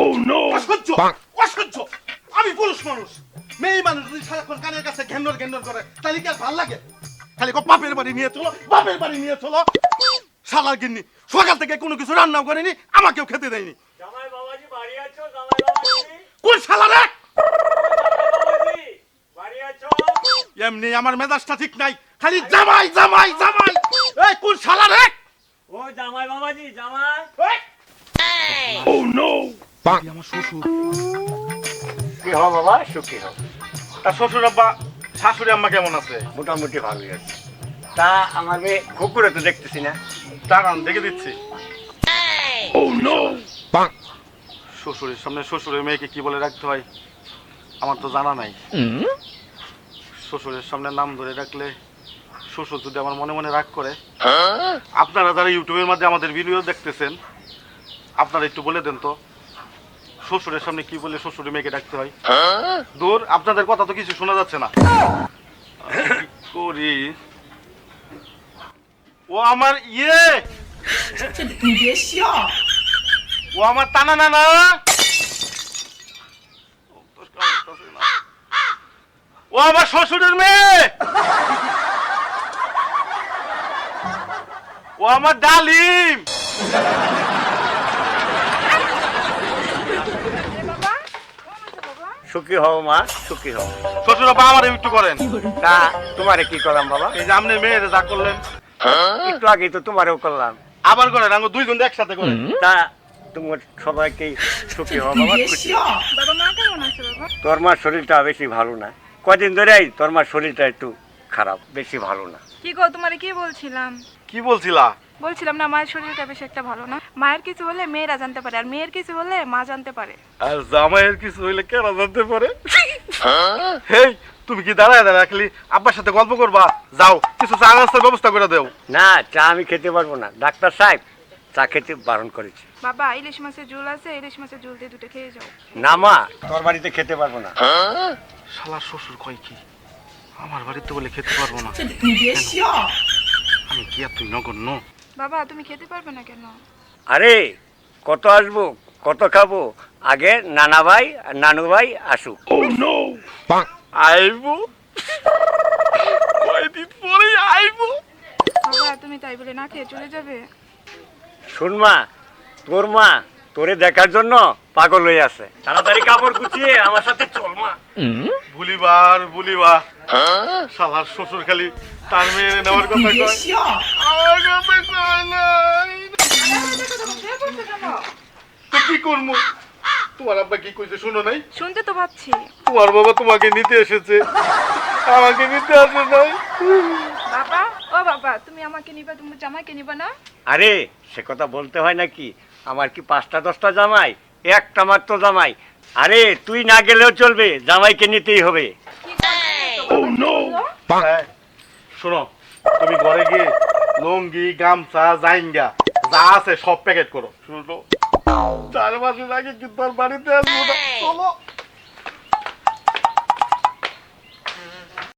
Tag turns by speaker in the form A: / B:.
A: অসহ্য অসহ্য। আমি পুরুষ মানুষ, মেয়ে মানুষ যদি সারাক্ষণ কানের কাছে ঘেন্নর ঘেন্নর করে তাহলে কি আর ভাল লাগে? খালি বাপের বাড়ি নিয়ে চলো, বাপের বাড়ি নিয়ে চলো। শালার গিন্নি সকাল থেকে কোনো কিছু রান্নাও করেনি, আমাকেও খেতে দেয়নি।
B: জামাই বাবাজি বাড়ি আছো? জামাই বাবাজি
A: কোন শালা রে?
B: বাবাজি বাড়ি আছো?
A: এমনি আমার মেজাজটা ঠিক নাই, খালি জামাই জামাই জামাই। এই কোন শালা রে?
B: ও জামাই বাবাজি জামাই।
A: আমার শ্বশুর।
C: কি হও বাবা, সুখী হও।
A: তা শ্বশুর আব্বা শাশুড়ি আম্মা কেমন আছে?
C: মোটামুটি ভালোই আছে। তা আমার মেয়ে কুকুরে তো দেখতেছি না।
A: দাঁড়ান দেখে দিচ্ছি। শ্বশুরের সামনে শ্বশুরের মেয়েকে কি বলে রাখতে হয় আমার তো জানা নাই। শ্বশুরের সামনে নাম ধরে রাখলে শ্বশুর যদি আমার মনে মনে রাগ করে, আপনারা যারা ইউটিউবের মধ্যে আমাদের ভিডিও দেখতেছেন আপনারা একটু বলে দেন তো শ্বশুরের সামনে কি বলে শ্বশুরের মেয়েকে ডাকতে হয়। দূর, আপনাদের কথা তো কিছু শোনা যাচ্ছে না। কি করি? ও আমার ইয়ে, ও আমার টানা নানা। ও আমার শ্বশুরের মেয়ে, ও আমার ডালিম।
C: সুখী হও মা, সুখী হও।
A: শ্বশুর আব্বা আমার একটু করেন।
C: তা তোমারে কি করলাম বাবা?
A: এই যে আপনি মেয়েরে যা করলেন
C: একটু আগেই তো তোমারেও করলাম।
A: আবার করেন, আমি দুইজন একসাথে করেন।
C: তা তোমার সবাইকে সুখী হও বাবা, খুশি হও।
D: বাবা মা কেমন আছে বাবা?
C: তোর মার শরীরটা বেশি ভালো না, কদিন ধরেই তোর মার শরীরটা একটু খারাপ, বেশি ভালো না।
D: কি গো, তোমারে কি বলছিলাম?
A: কি বলছিলা?
D: বলছিলাম না মায়ের শরীরটা বেশ একটা ভালো না। মায়ের কিছু হলে মেয়েরা জানতে পারে, আর মেয়ের কিছু হলে মা জানতে পারে।
A: আর জামাইয়ের কিছু হইলে কেন জানতে পারে? হেই, তুমি কি দাঁড়ায় দাঁড়ায় খালি আব্বার সাথে গল্প করবা? যাও কিছু চা নাস্তার ব্যবস্থা করে দেও।
C: না, চা আমি খেতে পারবো না, ডাক্তার সাহেব চা খেতে বারণ করেছে।
D: বাবা ইলিশ মাছের ঝোল আছে, ইলিশ মাছের ঝোল দিয়ে দুটো খেয়ে যাও।
C: না মা, তোর বাড়িতে খেতে পারবো না।
A: শালার শ্বশুর কয় কি আমার বাড়িতে বলে খেতে পারবো না? আমি কি আর তুই নগণ্য?
D: বাবা তুমি খেতে পারবে না কেন?
C: আরে কত আসবো, কত খাবো, আগে নানা ভাই আর নানু ভাই আসুক।
A: আইবো কয়দিন পরে আইবো।
D: বাবা তুমি তাই বলে না খেয়ে চলে যাবে?
C: শোন মা, তোর মা তোরে দেখার জন্য পাগল হয়ে আছে, তাড়াতাড়ি কাপড় গুছিয়ে আমার সাথে চল মা।
A: ভুলিবার ভুলিবা, শালার শ্বশুর খালি তার মেয়ে নেওয়ার কথা কয়, আমার কথা কয় নাই। তো কি করবো? তোমার আব্বা কি কইছে শুনো নাই?
D: শুনতে তো পাচ্ছি।
A: তোমার বাবা তোমাকে নিতে এসেছে, আমাকে নিতে আসে নাই।
D: বাবা ও বাবা, তুমি আমাকে নিবা, তুমি জামাইকে নিবা না?
C: আরে সে কথা বলতে হয় নাকি? আমার কি 5টা 10টা জামাই? একটা মাত্র জামাই। আরে তুই না গেলেও চলবে, জামাইকে নিতেই হবে।
A: হ্যাঁ, শোনো, তুমি ঘরে গিয়ে লুঙ্গি গামছা জাইঙ্গা যা আছে সব প্যাকেট করো। শুনো, 4 মাসের আগে কিন্তু আর বাড়িতে আসবো না। চলো।